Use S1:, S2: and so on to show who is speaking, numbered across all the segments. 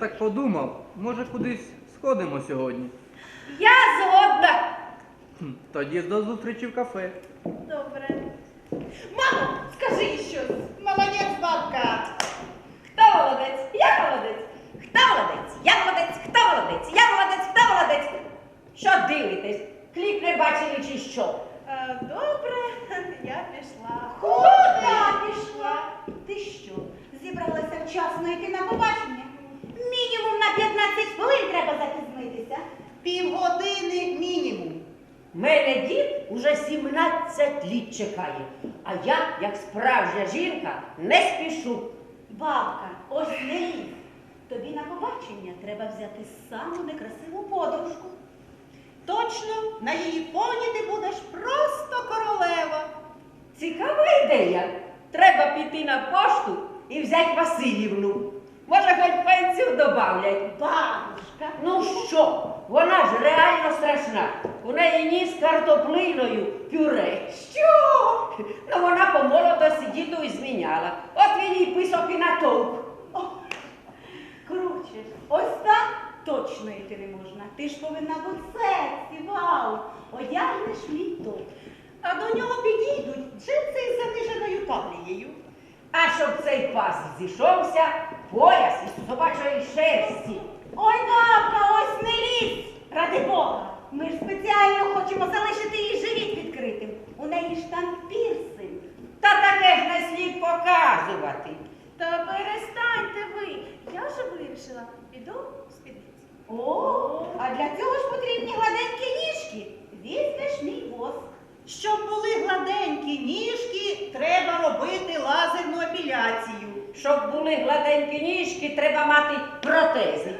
S1: так подумав, може кудись сходимо сьогодні.
S2: Я згодна.
S1: Тоді до зустрічі в кафе.
S2: Добре. Мамо, скажи щось.
S3: Молодець, бабка.
S2: Хто молодець? Я молодець. Хто молодець? Я молодець. Хто молодець? Я молодець. Хто молодець? Що дивитесь? Кліп не бачили чи що?
S3: Добре, я пішла.
S2: Куди пішла? Ти що, зібралася вчасно йти на побачення? Мінімум на 15 хвилин треба запізнитися.
S3: Півгодини мінімум.
S4: Мене дід уже 17 літ чекає, а я, як справжня жінка, не спішу.
S2: Бабка, ось не лізь. Тобі на побачення треба взяти саму некрасиву подружку.
S3: Точно, на її фоні ти будеш просто королева.
S4: Цікава ідея. Треба піти на пошту і взяти Васильівну. Може, хоч пенсію добавлять.
S2: Бабушка,
S4: Ну що, вона ж реально страшна. У неї ніс картоплиною пюре.
S2: що?
S4: Ну вона по молодості діду і зміняла. От він їй писок і натовп.
S2: Коротше, ось так точно йти не можна. Ти ж повинна бути сексі, вау. Одягнеш мій топ.
S3: А до нього підійдуть джинси із заниженою талією.
S4: А щоб цей пас зійшовся, пояс із собачої шерсті.
S2: Ой, бабка, ось не лізь! Ради Бога! Ми ж спеціально хочемо залишити їй живіт відкритим. У неї ж там пірсинг.
S4: Та таке ж не слід показувати.
S5: Та перестаньте ви. Я вже вирішила. Піду в спідниці.
S2: О, а для цього ж потрібні гладенькі ніжки. Візьмеш мій воск.
S3: Щоб були гладенькі ніжки, треба робити лазерну епіляцію.
S4: Щоб були гладенькі ніжки, треба мати протези.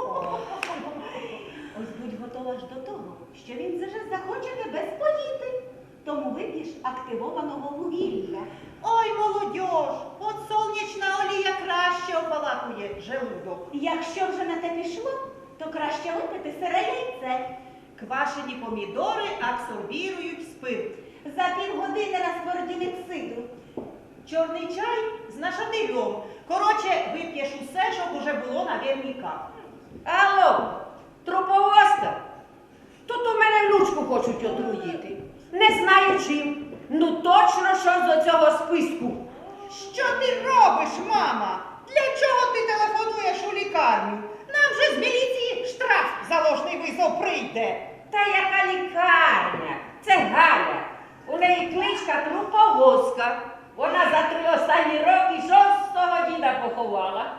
S2: Ось будь готова ж до того, що він вже захоче тебе споїти. Тому вип'єш активованого вугілля.
S3: Ой, молодьож, от сонячна олія краще опалакує желудок.
S2: Якщо вже на те пішло, то краще випити сире яйце.
S3: Квашені помідори абсорбірують спирт.
S2: За півгодини розтверділить сидру.
S3: Чорний чай з нашатирем. Коротше, вип'єш усе, щоб уже було наверняка.
S4: Алло, труповозка? Тут у мене внучку хочуть отруїти. Не знаю чим. Ну точно, що з цього списку.
S3: Що ти робиш, мама? Для чого ти телефонуєш у лікарню? Нам же з міліції штраф за ложний визов прийде.
S4: Та яка лікарня? Це Галя. У неї кличка Труповозка. Вона за 3 останні роки 6-го діда поховала.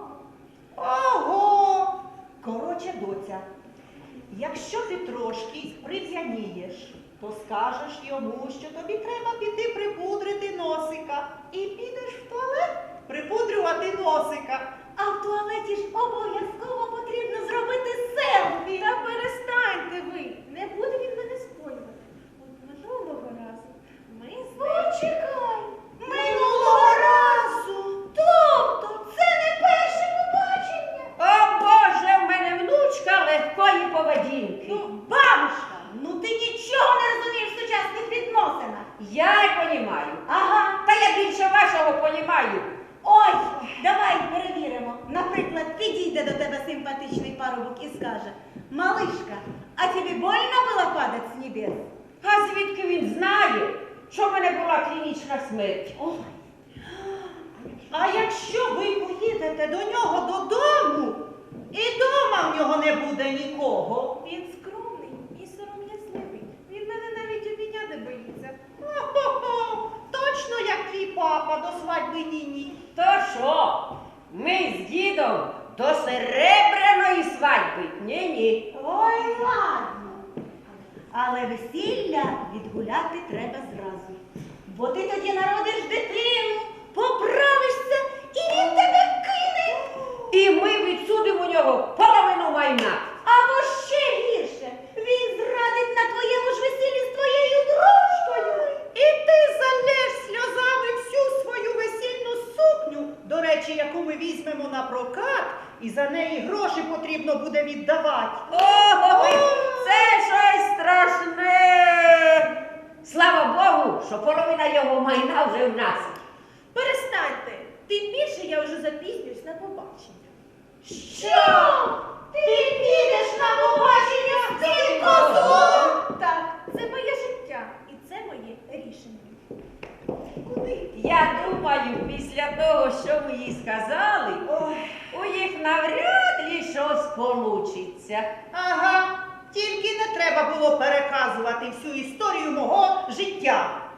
S3: Ого! Коротше, доця, якщо ти трошки прив'янієш, то скажеш йому, що тобі треба піти припудрити носика. І підеш в туалет припудрювати носика.
S2: А в туалеті ж обов'язково потрібно зробити селфі.
S5: Та перестаньте ви. Не буде він мене споювати. От минулого разу ми з нею...
S2: Почекай, минулого разу. Тобто це не перше побачення.
S4: О Боже, в мене внучка легкої поведінки.
S2: Ну, бабушка, ну ти нічого не розумієш в сучасних відносинах.
S4: Я й понімаю.
S2: Ага.
S4: Та я більше вашого понімаю.
S2: Ой, давай перевіримо. Наприклад, підійде до тебе симпатичний парубок і скаже: малишка, а тобі больно було падати з небес?
S4: А звідки він знає, що в мене була клінічна смерть?
S2: Ой,
S3: А якщо ви поїдете до нього додому, і дома в нього не буде нікого?
S5: Він скромний і сором'язливий. Він мене навіть обійняти боїться.
S3: Хо-хо-хо! Точно як твій папа до свадьби Ніні.
S4: То що? Ми з дідом до серебряної свадьби? Ні-ні.
S2: ой, ладно. Але весілля відгуляти треба зразу. Бо ти тоді народиш дитину, поправишся, і він тебе кине.
S4: І ми відсудимо у нього половину майна.
S2: Або ще гірше, він зрадить на твоєму ж весіллі з твоєю дружкою.
S3: І ти залєш сльозами всю свою весільну сукню, до речі, яку ми візьмемо на прокат, і за неї гроші потрібно буде віддавати.
S4: Ой, це щось страшне. Слава Богу, що половина його майна вже в нас.
S5: Перестаньте. Тим більше я вже запізнююсь на побачення.
S2: Що? Ти підеш на побачення з цим козлом?
S5: Так, це моє життя і це моє рішення.
S4: Я думаю, після того, що ви їй сказали, у їх навряд ли щось получиться.
S3: Ага, тільки не треба було переказувати всю історію мого життя.